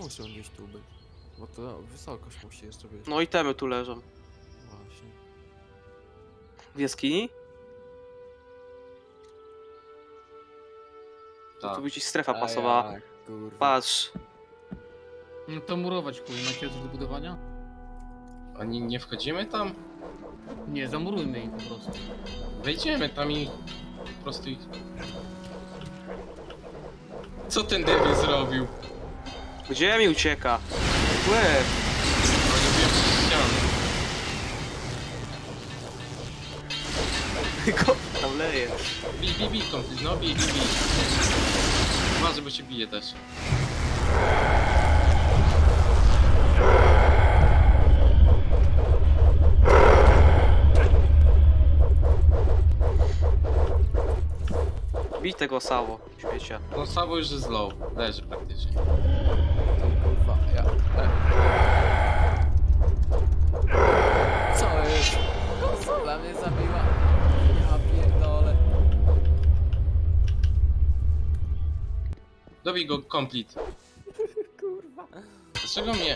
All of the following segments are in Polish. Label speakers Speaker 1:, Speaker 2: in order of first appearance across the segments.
Speaker 1: muszą gdzieś tu być. Bo to wysokość musi jeszcze być.
Speaker 2: No itemy tu leżą.
Speaker 1: Właśnie.
Speaker 2: W jaskini? To
Speaker 3: Tak.
Speaker 2: tu by ci strefa
Speaker 1: A
Speaker 2: pasowała.
Speaker 1: jak, kurwa.
Speaker 2: Patrz.
Speaker 4: No to murować chuj, macie coś do budowania?
Speaker 3: Oni nie wchodzimy tam?
Speaker 4: Nie, zamurujmy ich po prostu.
Speaker 3: Wejdziemy tam i po prostu ich... Co ten debil zrobił?
Speaker 2: Gdzie mi ucieka? Łe.
Speaker 3: Oni biją przez ścianę.
Speaker 2: Go tam leje.
Speaker 3: Bij, komplet, no bij. Uważaj, bo się bije też.
Speaker 2: Bij tego Sawo, śmiecia.
Speaker 3: No Sabo już jest low, leży praktycznie.
Speaker 1: To kurwa, ja... Co jest? Konsola mnie zabiła. Ja pierdolę.
Speaker 3: Dobij go complete.
Speaker 1: Kurwa.
Speaker 3: Dlaczego mnie?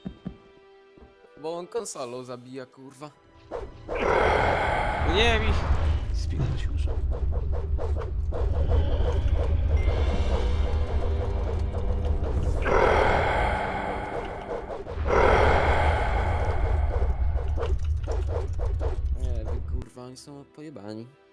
Speaker 1: Bo on konsolą zabija, kurwa.
Speaker 2: No nie mi. Spinać już.
Speaker 1: Nie, wy kurwa, oni są pojebani.